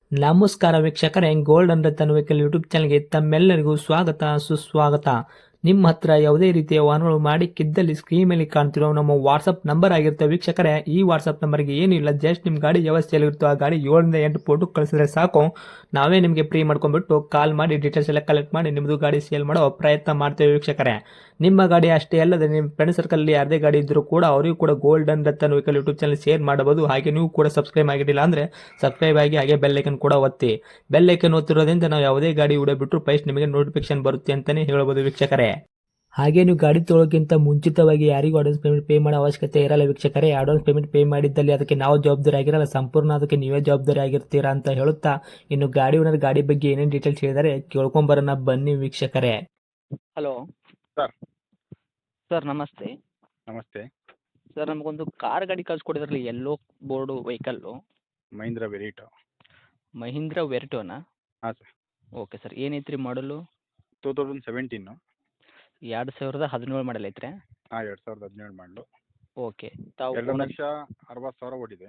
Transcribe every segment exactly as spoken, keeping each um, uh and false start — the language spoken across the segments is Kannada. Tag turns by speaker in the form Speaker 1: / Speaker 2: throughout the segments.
Speaker 1: ನಮಸ್ಕಾರ ವೀಕ್ಷಕರೇ, ಗೋಲ್ಡನ್ ರತನ್ ವೆಹಿಕಲ್ ಯೂಟ್ಯೂಬ್ ಚಾನಲ್ಗೆ ತಮ್ಮೆಲ್ಲರಿಗೂ ಸ್ವಾಗತ ಸುಸ್ವಾಗತ. ನಿಮ್ಮ ಹತ್ರ ಯಾವುದೇ ರೀತಿಯ ವಾಹನಗಳು ಮಾಡಿಕ್ಕಿದ್ದಲ್ಲಿ ಸ್ಕ್ರೀನ್ ಮೇಲೆ ಕಾಣ್ತಿರೋ ನಮ್ಮ ವಾಟ್ಸಪ್ ನಂಬರ್ ಆಗಿರುತ್ತೆ ವೀಕ್ಷಕರೇ. ಈ ವಾಟ್ಸಪ್ ನಂಬರ್ಗೆ ಏನಿಲ್ಲ, ಜಸ್ಟ್ ನಿಮ್ಮ ಗಾಡಿ ವ್ಯವಸ್ಥೆಯಲ್ಲಿರುತ್ತೋ ಆ ಗಾಡಿ ಏಳರಿಂದ ಎಂಟು ಫೋಟೋ ಕಳಿಸಿದ್ರೆ ಸಾಕು, ನಾವೇ ನಿಮಗೆ ಫ್ರೀ ಮಾಡ್ಕೊಂಡ್ಬಿಟ್ಟು ಕಾಲ್ ಮಾಡಿ ಡೀಟೇಲ್ಸ್ ಎಲ್ಲ ಕಲೆಕ್ಟ್ ಮಾಡಿ ನಿಮ್ಮದು ಗಾಡಿ ಸೇಲ್ ಮಾಡೋ ಪ್ರಯತ್ನ ಮಾಡ್ತೇವೆ ವೀಕ್ಷಕರೇ. ನಿಮ್ಮ ಗಾಡಿ ಅಷ್ಟೇ ಅಲ್ಲದೆ ನಿಮ್ಮ ಫ್ರೆಂಡ್ ಸರ್ಕಲಲ್ಲಿ ಯಾರದೇ ಗಾಡಿ ಇದ್ದರೂ ಕೂಡ ಅವರಿಗೂ ಕೂಡ golden Ratan vehicle YouTube channel share ಮಾಡಬಹುದು. ಹಾಗೆ ನೀವು ಕೂಡ ಸಬ್ಸ್ಕ್ರೈಬ್ ಆಗಿರಲಿಲ್ಲ ಅಂದರೆ ಸಬ್ಸ್ಕ್ರೈಬ್ ಆಗಿ ಹಾಗೆ ಬೆಲ್ ಐಕನ್ ಕೂಡ ಒತ್ತಿ. ಬೆಲ್ ಐಕನ್ ಒತ್ತಿರೋದ್ರಿಂದ ನಾವು ಯಾವುದೇ ಗಾಡಿ ವಿಡಿಯೋ ಬಿಟ್ಟರು ಫಸ್ಟ್ ನಿಮಗೆ ನೋಟಿಫಿಕೇಶನ್ ಬರುತ್ತೆ ಅಂತಲೇ ಹೇಳ್ಬೋದು ವೀಕ್ಷಕರೇ. ಹಾಗೆ ನೀವು ಗಾಡಿ ತೊಳೋಕ್ಕಿಂತ ಮುಂಚಿತವಾಗಿ ಯಾರಿಗೂ ಅಡ್ವಾನ್ಸ್ ಪೇಮೆಂಟ್ ಪೇ ಮಾಡೋ ಅವಶ್ಯಕತೆ ಇರಲ್ಲ ವೀಕ್ಷಕರೇ. ಅಡ್ವಾನ್ಸ್ ಪೇಮೆಂಟ್ ಪೇ ಮಾಡಿದ್ದಲ್ಲಿ ಅದಕ್ಕೆ ನಾವು ಜವಾಬ್ದಾರಿ ಆಗಿರಲ್ಲ, ಸಂಪೂರ್ಣ ಅದಕ್ಕೆ ನೀವೇ ಜವಾಬ್ದಾರಿ ಆಗಿರ್ತೀರಾ ಅಂತ ಹೇಳುತ್ತಾ, ಇನ್ನು ಗಾಡಿ ಓನರ್ ಗಾಡಿ ಬಗ್ಗೆ ಏನೇನು ಡೀಟೇಲ್ಸ್ ಹೇಳಿದರೆ ಕೇಳ್ಕೊಂಬರೋಣ ಬನ್ನಿ ವೀಕ್ಷಕರೇ.
Speaker 2: ಹಲೋ
Speaker 3: ಸರ್
Speaker 2: ಸರ್, ನಮಸ್ತೆ.
Speaker 3: ನಮಸ್ತೆ.
Speaker 2: ಸರ್, ನಮಗೊಂದು ಕಾರ್ ಗಾಡಿ ಕಳ್ಸಿಕೊಡಿದ್ರಲ್ಲಿ ಎಲ್ಲೋ board vehicle,
Speaker 3: Mahindra Verito.
Speaker 2: Mahindra ವೆರ್ಟೋನಾ?
Speaker 3: ಹಾಂ ಸರ್.
Speaker 2: ಓಕೆ ಸರ್, ಏನೈತ್ರಿ ಮಾಡಲು?
Speaker 3: Two thousand seventeen.
Speaker 2: ಎರಡು ಸಾವಿರದ ಹದಿನೇಳು ಮಾಡಲ್ ಐತ್ರಿ?
Speaker 3: ಹಾಂ, ಎರಡು ಸಾವಿರದ ಹದಿನೇಳು ಮಾಡಲು.
Speaker 2: ಓಕೆ. ತಾವು
Speaker 3: ಎರಡು
Speaker 2: owner-
Speaker 3: ಲಕ್ಷ ಅರವತ್ತು ಸಾವಿರ ಓಡಿದೆ.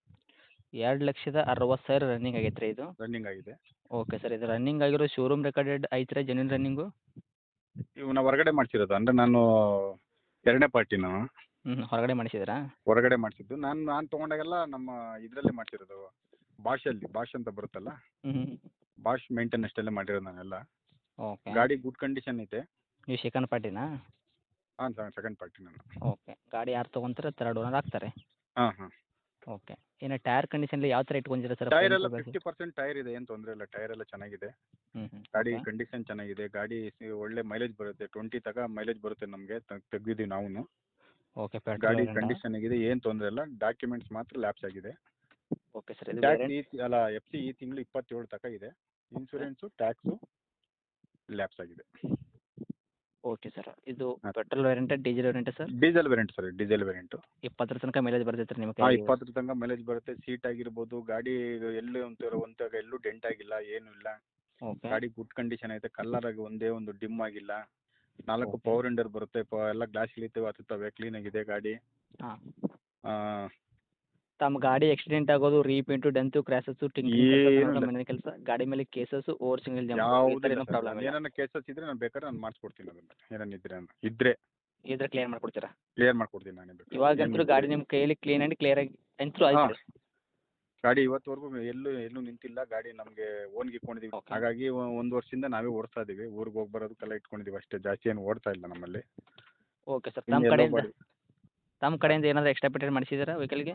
Speaker 2: ಎರಡು ಲಕ್ಷದ ಅರವತ್ತು ಸಾವಿರ ರನ್ನಿಂಗ್ ಆಗೈತ್ರಿ ಇದು?
Speaker 3: ರನ್ನಿಂಗ್ ಆಗಿದೆ.
Speaker 2: ಓಕೆ ಸರ್, ಇದು ರನ್ನಿಂಗ್ ಆಗಿರೋ ಶೋರೂಮ್ ರೆಕಾರ್ಡೆಡ್ ಐತ್ರಿ ಜೆನ್ಯೂನ್ ರನ್ನಿಂಗು?
Speaker 3: ಇವನ್ನ ಹೊರಗಡೆ ಮಾಡಿಸಿರೋದು, ಅಂದರೆ ನಾನು ಎರಡನೇ ಪಾರ್ಟಿ ನಾನು
Speaker 2: ಹ್ಞೂ, ಹೊರಗಡೆ ಮಾಡಿಸಿದ್ರಾ?
Speaker 3: ಹೊರಗಡೆ ಮಾಡಿಸಿದ್ದು. ನಾನು ನಾನು ತೊಗೊಂಡಾಗೆಲ್ಲ ನಮ್ಮ ಇದರಲ್ಲೇ ಮಾಡಿಸಿರೋದು, ಬಾಷಲ್ಲಿ ಬಾಷ್ ಅಂತ ಬರುತ್ತಲ್ಲ,
Speaker 2: ಹ್ಞೂ.
Speaker 3: ಬಾಷ್ ಮೇಂಟೆನ್ ಅಷ್ಟೆಲ್ಲ ಮಾಡಿರೋದು ನಾನೆಲ್ಲ.
Speaker 2: ಓಕೆ.
Speaker 3: ಗಾಡಿ ಗುಡ್ ಕಂಡೀಷನ್ ಇದೆ.
Speaker 2: ನೀವು ಸೆಕೆಂಡ್ ಪಾರ್ಟಿನಾ?
Speaker 3: ಹಾಂ ಸರ್, ಸೆಕೆಂಡ್ ಪಾರ್ಟಿ ನಾನು.
Speaker 2: ಓಕೆ. ಗಾಡಿ ಯಾರು ತೊಗೊಂತಾರೆ ತರ್ಡ್ ಓನರ್ ಆಗ್ತಾರೆ?
Speaker 3: ಹಾಂ ಹಾಂ.
Speaker 2: ಓಕೆ. ಇನ್ನು ಟೈರ್ ಕಂಡೀಷನಲ್ಲಿ ಯಾವ ಥರ ಇಟ್ಕೊಂಡಿದ್ದೀರಾ ಸರ್?
Speaker 3: ಟೈರ್ ಎಲ್ಲ ಫಿಫ್ಟಿ ಪರ್ಸೆಂಟ್ ಟೈರ್ ಇದೆ, ಏನು ತೊಂದರೆ ಇಲ್ಲ. ಟೈರ್ ಎಲ್ಲ ಚೆನ್ನಾಗಿದೆ.
Speaker 2: ಹ್ಞೂ ಹ್ಞೂ.
Speaker 3: ಗಾಡಿ ಕಂಡೀಷನ್ ಚೆನ್ನಾಗಿದೆ. ಗಾಡಿ ಸಿ- ಒಳ್ಳೆ ಮೈಲೇಜ್ ಬರುತ್ತೆ. ಟ್ವೆಂಟಿ ತಗ ಮೈಲೇಜ್ ಬರುತ್ತೆ ನಮಗೆ. ತೆಗ್ದಿದ್ದೀವಿ ನಾವು.
Speaker 2: ಓಕೆ.
Speaker 3: ಗಾಡಿ
Speaker 2: ಪೆಟ್ರೋಲ್
Speaker 3: ಕಂಡೀಷನ್ ಆಗಿದೆ, ಏನು ತೊಂದರೆ ಇಲ್ಲ. ಡಾಕ್ಯುಮೆಂಟ್ಸ್ ಮಾತ್ರ ಲ್ಯಾಪ್ಸ್ ಆಗಿದೆ.
Speaker 2: ಓಕೆ ಸರ್, ಇದು
Speaker 3: ಟ್ಯಾಕ್ಸ್
Speaker 2: ವೇರಿಯಂಟ್?
Speaker 3: ಈ ಅಲ್ಲ ಎಫ್ ಸಿ ಈ ತಿಂಗಳು ಇಪ್ಪತ್ತೇಳು ತಕ ಇದೆ. ಇನ್ಸೂರೆನ್ಸು ಟ್ಯಾಕ್ಸು ಲ್ಯಾಪ್ಸ್ ಆಗಿದೆ.
Speaker 2: ಓಕೆ ಸರ್, ಇದು
Speaker 3: ಹಾಂ.
Speaker 2: ಪೆಟ್ರೋಲ್ ವೇರಿಯಂಟ ಡೀಸೆಲ್ ವೇರಿಯಂಟ sir?
Speaker 3: Diesel variant sir, diesel variant.
Speaker 2: ಇಪ್ಪತ್ತರ ತನಕ ಮೈಲೇಜ್ ಬರ್ತೈತೆ ನಿಮ್ಮ
Speaker 3: ಹಾಂ,
Speaker 2: ಕೈ?
Speaker 3: ಇಪ್ಪತ್ತರ ತನಕ ಮೈಲೇಜ್ ಬರುತ್ತೆ. ಸೀಟ್ ಆಗಿರ್ಬೋದು, ಗಾಡಿ ಎಲ್ಲೂ ಒಂಥರ ಒಂತಾಗ ಎಲ್ಲೂ ಡೆಂಟ್ ಆಗಿಲ್ಲ, ಏನೂ ಇಲ್ಲ.
Speaker 2: ಓಕೆ.
Speaker 3: ಗಾಡಿ ಗುಡ್ ಕಂಡೀಷನ್ ಐತೆ. ಕಲರ್ ಆಗಿ ಒಂದೇ ಒಂದು ಡಿಮ್ ಆಗಿಲ್ಲ. ನಾಲ್ಕು
Speaker 2: Okay.
Speaker 3: ಪವರ್ ವಿಂಡರ್ ಬರುತ್ತೆ. ಪ ಎಲ್ಲ ಗ್ಲಾಸ್ ಇಳಿತವೆ, ಹತ್ತುತ್ತವೆ. ಕ್ಲೀನ್ ಆಗಿದೆ ಗಾಡಿ.
Speaker 2: ಹಾಂ.
Speaker 3: ಆ,
Speaker 2: ತಮ್ಮ ಗಾಡಿ ಆಕ್ಸಿಡೆಂಟ್ ಆಗೋದು, ರೀಪೇಂಟು, ಡೆಂತು, ಕ್ರ್ಯಾಸಸ್ಸು,
Speaker 3: ಏನೂ ಇಲ್ಲ.
Speaker 2: ಮನೆ ಕೆಲಸ, ಗಾಡಿ ಮೇಲೆ ಕೇಸಸ್ಸು, ಓವರ್ ಸಿಂಗಲ್ ಜಂಪ್, ಈ
Speaker 3: ಯಾವುದೂ
Speaker 2: ಥರ
Speaker 3: ಇಲ್ಲ
Speaker 2: ಏನೂ
Speaker 3: ಸರ್.
Speaker 2: ಪ್ರಾಬ್ಲಮ್ ಇಲ್ಲ?
Speaker 3: ಏನಾನ ಕೇಸಸ್ ಇದ್ರೆ ನಾನು ಬೇಕಾದ್ರೆ ನಾನು ಮಾಡಿಸ್ಕೊಡ್ತೀನಿ. ಅದನ್ನ ಏನಾನ ಇದ್ರೆ ನಾನು ಇದ್ರೆ
Speaker 2: ಇದ್ರೆ ಕ್ಲಿಯರ್ ಮಾಡ್ಕೊಡ್ತೀರಾ?
Speaker 3: ಕ್ಲಿಯರ್ ಮಾಡ್ಕೊಡ್ತೀನಿ ನಾನೇ ಬೇಕಾದ್ರೆ.
Speaker 2: ಇವಾಗಂತೂ
Speaker 3: ಏನು
Speaker 2: ಗಾಡಿ ನಿಮ್ಮ ಕೈಯಲ್ಲಿ ಕ್ಲೀನ್ ಆ್ಯಂಡ್ ಕ್ಲಿಯರ್ ಆಗಿ ಅಂತೂ
Speaker 3: ಹಾಂ,
Speaker 2: ಆಯ್ತು.
Speaker 3: ಗಾಡಿ ಇವತ್ತುವರೆಗೂ ಎಲ್ಲೂ ಎಲ್ಲೂ ನಿಂತಿಲ್ಲ. ಗಾಡಿ ನಮಗೆ ಓನ್ಗೆ ಇಟ್ಕೊಂಡಿದ್ದೀವಿ.
Speaker 2: Okay.
Speaker 3: ಹಾಗಾಗಿ ಒ- ಒಂದು ವರ್ಷದಿಂದ ನಾವೇ ಓಡಿಸ್ತಾ ಇದ್ದೀವಿ. ಊರಿಗೆ ಹೋಗಿ ಬರೋದಕ್ಕೆಲ್ಲ ಇಟ್ಕೊಂಡಿದ್ದೀವಿ ಅಷ್ಟೇ. ಜಾಸ್ತಿ ಏನು ಓಡ್ತಾ ಇಲ್ಲ ನಮ್ಮಲ್ಲಿ.
Speaker 2: ಓಕೆ ಸರ್,
Speaker 3: ಇನ್ನು
Speaker 2: ತಮ್ಮ
Speaker 3: ಎಲ್ಲೋ
Speaker 2: ಕಡೆಯಿಂದ
Speaker 3: ಮಾಡಿ
Speaker 2: ತಮ್ಮ ಕಡೆಯಿಂದ ಏನಾದರೂ ಎಕ್ಸ್ಟ್ರಾ ಪೇಟೆಂಟ್ ಮಾಡಿಸಿದ್ದೀರಾ ವೆಹಿಕಲ್ಗೆ?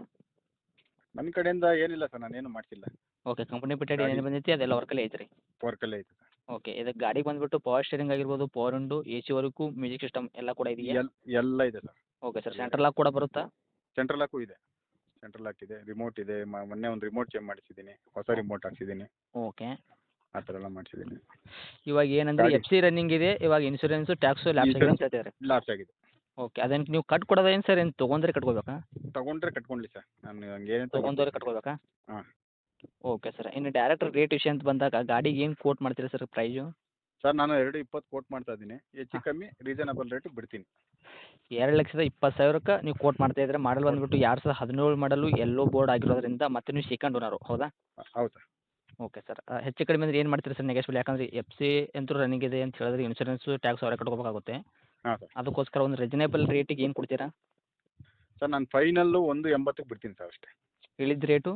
Speaker 3: ನನ್ನ ಕಡೆಯಿಂದ ಏನಿಲ್ಲ ಸರ್, ನಾನೇನು ಮಾಡಿಸಿಲ್ಲ.
Speaker 2: ಓಕೆ. ಕಂಪನಿ ಪೇಟೆಂಟ್
Speaker 3: ಗಾಡಿ-
Speaker 2: ಏನೇನು ಬಂದೈತಿ ಅದೆಲ್ಲ ವರ್ಕಲ್ಲೇ ಐತ್ರಿ?
Speaker 3: ವರ್ಕಲ್ಲೇ ಐತೆ ಸರ್.
Speaker 2: ಓಕೆ. ಇದಕ್ಕೆ ಗಾಡಿ ಬಂದುಬಿಟ್ಟು ಪವರ್ ಸ್ಟೇರಿಂಗ್ ಆಗಿರ್ಬೋದು, power window, A C work, music system ಎಲ್ಲ ಕೂಡ ಇದೆಯಾ?
Speaker 3: ಎಲ್ ಎಲ್ಲ ಇದೆ sir.
Speaker 2: Okay sir, central lock ಕೂಡ ಬರುತ್ತಾ?
Speaker 3: ಸೆಂಟ್ರಲ್ ಲಾಕು ಇದೆ. ಸೆಂಟ್ರಲ್ ಲಾಕ್ ಇದೆ, ರಿಮೋಟ್ ಇದೆ. ಮ- ಮೊನ್ನೆ ಒಂದು ರಿಮೋಟ್ ಚೇಂಜ್ ಮಾಡಿಸಿದ್ದೀನಿ, ಹೊಸ ರಿಮೋಟ್ ಹಾಕ್ಸಿದ್ದೀನಿ.
Speaker 2: ಓಕೆ.
Speaker 3: ಆ ಥರ ಎಲ್ಲ ಮಾಡಿಸಿದ್ದೀನಿ.
Speaker 2: ಇವಾಗ ಏನಂದ್ರೆ
Speaker 3: ಗಾಡಿ-
Speaker 2: ಎಫ್ ಸಿ ರನ್ನಿಂಗ್ ಇದೆ, ಇವಾಗ ಇನ್ಶೂರೆನ್ಸು, ಟ್ಯಾಕ್ಸು, ಲ್ಯಾಪ್ಸ್ ಆಗಿದೆ ಅಂತ ಹೇಳ್ತಿದ್ದಾರೆ.
Speaker 3: ಲಾಸ್ ಆಗಿದೆ.
Speaker 2: ಓಕೆ. ಅದನ್ನು ನೀವು ಕಟ್ ಕೊಡೋದು ಏನು ಸರ್, ಏನು ತೊಗೊಂಡ್ರೆ ಕಟ್ಕೋಬೇಕಾ?
Speaker 3: ತಗೊಂಡ್ರೆ ಕಟ್ಕೊಂಡ್ಲಿ ಸರ್, ನಾನು ಹಂಗೇನು
Speaker 2: ತೊಗೊಂಡವ್ರೆ ಕಟ್ಕೋಬೇಕಾ?
Speaker 3: ಹಾಂ.
Speaker 2: Okay sir. ಇನ್ನು ಡೈರೆಕ್ಟ್ ರೇಟ್ ವಿಷಯ ಅಂತ ಬಂದಾಗ ಗಾಡಿಗೆ ಏನು ಕೋಟ್ ಮಾಡ್ತೀರಾ ಸರ್ ಪ್ರೈಸು?
Speaker 3: ಸರ್, ನಾನು ಎರಡು ಇಪ್ಪತ್ತು ಕೋಟ್ ಮಾಡ್ತಾ ಇದ್ದೀನಿ. ಹೆಚ್ಚು ಕಮ್ಮಿ ರೀಸನಬಲ್ ರೇಟಿಗೆ ಬಿಡ್ತೀನಿ.
Speaker 2: ಎರಡು ಲಕ್ಷದ ಇಪ್ಪತ್ತು ಸಾವಿರಕ್ಕೆ ನೀವು ಕೋಟ್ ಮಾಡ್ತಾ ಇದ್ರೆ, ಮಾಡಲ್ ಬಂದುಬಿಟ್ಟು ಎರಡು ಸಾವಿರದ ಹದಿನೇಳು ಮಾಡಲು ಎಲ್ಲೋ ಬೋರ್ಡ್ ಆಗಿರೋದ್ರಿಂದ ಮತ್ತೆ ನೀವು ಸೆಕೆಂಡ್ ಓನರು, ಹೌದಾ?
Speaker 3: ಹೌದು ಸರ್.
Speaker 2: Okay sir. ಹೆಚ್ಚು ಕಡಿಮೆ ಅಂದ್ರೆ ಏನು ಮಾಡ್ತೀರಾ ಸರ್ ನೆಗೆಶ್ಬಲ್? ಯಾಕಂದರೆ ಎಫ್ ಸಿ ಅಂತೂ ರನ್ನಿಂಗ್ ಇದೆ ಅಂತ ಹೇಳಿದ್ರೆ ಇನ್ಶೂರೆನ್ಸು, ಟ್ಯಾಕ್ಸ್ ಅವರೇ ಕಟ್ಕೋಬೇಕಾಗುತ್ತೆ.
Speaker 3: ಹಾಂ ಸರ್.
Speaker 2: ಅದಕ್ಕೋಸ್ಕರ ಒಂದು ರೀಸನೇಬಲ್ ರೇಟಿಗೆ ಏನು ಕೊಡ್ತೀರಾ?
Speaker 3: ಸರ್, ನಾನು ಫೈನಲ್ಲು ಒಂದು ಎಂಬತ್ತಕ್ಕೆ ಬಿಡ್ತೀನಿ ಸರ್ ಅಷ್ಟೇ.
Speaker 2: ಹೇಳಿದ ರೇಟು?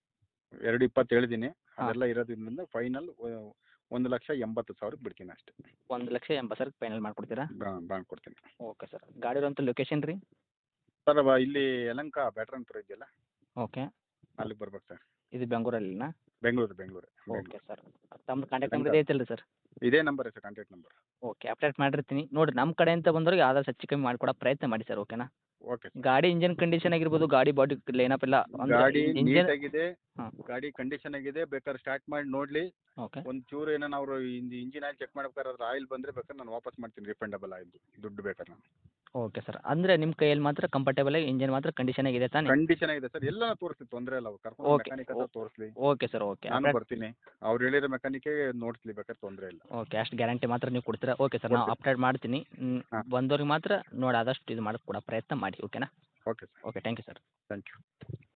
Speaker 3: ಎರಡು ಇಪ್ಪತ್ತು ಹೇಳಿದ್ದೀನಿ.
Speaker 2: ಹಾಂ.
Speaker 3: ಅದೆಲ್ಲ ಇರೋದ್ರಿಂದ ಫೈನಲ್ ಒಂದು ಲಕ್ಷ ಎಂಬತ್ತು ಸಾವಿರಕ್ಕೆ ಬಿಡ್ತೀನಿ ಅಷ್ಟೇ.
Speaker 2: ಒಂದು ಲಕ್ಷ ಎಂಬತ್ತು ಸಾವಿರಕ್ಕೆ ಫೈನಲ್ ಮಾಡಿಕೊಡ್ತೀರಾ?
Speaker 3: ಬಾಂಡ್ ಕೊಡ್ತೀನಿ.
Speaker 2: Okay sir. ಗಾಡಿ ಇರೋಂಥ ಲೊಕೇಶನ್ ರೀ?
Speaker 3: ಸರ್, ಅವ ಇಲ್ಲಿ ಯಲಹಂಕ ಬ್ಯಾಟ್ರಾನ್ಪುರ ಇದೆಯಲ್ಲ,
Speaker 2: ಓಕೆ.
Speaker 3: ಅಲ್ಲಿಗೆ ಬರ್ಬೇಕು ಸರ್.
Speaker 2: ಇದು ಬೆಂಗಳೂರಲ್ಲಿನಾ?
Speaker 3: Bengaluru Bengaluru
Speaker 2: okay sir. ತಮ್ಮ ಕಾಂಟ್ಯಾಕ್ಟ್ ನಂಬರ್ ಇದೆ ಐತಲ್ಲ ಸರ್?
Speaker 3: ಇದೇ number sir, contact number.
Speaker 2: Okay. Update ಮಾಡಿರ್ತೀನಿ ನೋಡಿರಿ. ನಮ್ಮ ಕಡೆಯಿಂದ ಬಂದವ್ರಿಗೆ ಆದಷ್ಟು ಹೆಚ್ಚು ಕಮ್ಮಿ ಮಾಡಿಕೊಡೋ ಪ್ರಯತ್ನ ಮಾಡಿ ಸರ್, ಓಕೆನಾ?
Speaker 3: Okay sir.
Speaker 2: ಗಾಡಿ ಇಂಜನ್ ಕಂಡೀಷನ್ ಆಗಿರ್ಬೋದು, ಗಾಡಿ ಬಾಡಿ ಲೈನಪ್ ಎಲ್ಲ
Speaker 3: ಗಾಡಿ
Speaker 2: ಇಂಜನ್.
Speaker 3: ನೀಟಾಗಿದೆ.
Speaker 2: ಹಾಂ.
Speaker 3: ಗಾಡಿ ಕಂಡೀಷನ್ ಆಗಿದೆ. ಬೇಕಾದ್ರೆ ಸ್ಟಾರ್ಟ್ ಮಾಡಿ ನೋಡಲಿ.
Speaker 2: ಓಕೆ.
Speaker 3: ಒಂದು ಚೂರು ಏನೋ ಅವರು ಇಂಜಿನ್ ಆಯಿಲ್ ಚೆಕ್ ಮಾಡ್ಬೇಕಾದ್ರೆ ಅದ್ರ ಆಯಿಲ್ ಬಂದರೆ ಬೇಕಾದ್ರೆ ನಾನು ವಾಪಸ್ ಮಾಡ್ತೀನಿ. ರಿಫಂಡಬಲ್ ಆಯಿಲ್ ದುಡ್ಡು ಬೇಕಾದ್ರೆ ನಾನು.
Speaker 2: Okay sir. ಅಂದರೆ ನಿಮ್ಮ ಕೈಯಲ್ಲಿ ಮಾತ್ರ ಕಂಫರ್ಟೇಬಲ್ ಆಗಿ ಇಂಜನ್ ಮಾತ್ರ ಕಂಡೀಷನ್ ಆಗಿದೆ ತಾನೇ?
Speaker 3: ಕಂಡೀಷನ್ ಆಗಿದೆ ಸರ್. ಎಲ್ಲ ತೋರಿಸ್ಲಿ, ತೊಂದರೆ ಇಲ್ಲ. ಅವ್ರು ಕರ್ಕೊಂಡು
Speaker 2: Okay.
Speaker 3: ಮೆಕ್ಯಾನಿಕ್ ಹತ್ರ ತೋರಿಸ್ಲಿ.
Speaker 2: Okay sir. ಓಕೆ.
Speaker 3: ನಾನು ಬರ್ತೀನಿ. ಅವ್ರು ಹೇಳಿರೋ ಮೆಕ್ಯಾನಿಕ್ಗೆ ನೋಡಿಸ್ಲಿ, ಬೇಕಾದ್ರೆ ತೊಂದರೆ ಇಲ್ಲ.
Speaker 2: ಓಕೆ. ಅಷ್ಟು ಗ್ಯಾರಂಟಿ ಮಾತ್ರ ನೀವು ಕೊಡ್ತೀರಾ? Okay sir. ನಾವು
Speaker 3: ಕೊಡ್ತೀನಿ.
Speaker 2: ಅಪ್ಡೇಟ್ ಮಾಡ್ತೀನಿ.
Speaker 3: ಹಾಂ.
Speaker 2: ಬಂದವ್ರಿಗೆ ಮಾತ್ರ ನೋಡಿ ಆದಷ್ಟು ಇದು ಮಾಡೋಕ್ಕೆ ಕೊಡೋ ಪ್ರಯತ್ನ ಮಾಡಿ, ಓಕೆನಾ?
Speaker 3: Okay sir.
Speaker 2: Okay. Thank you sir.
Speaker 3: Thank you.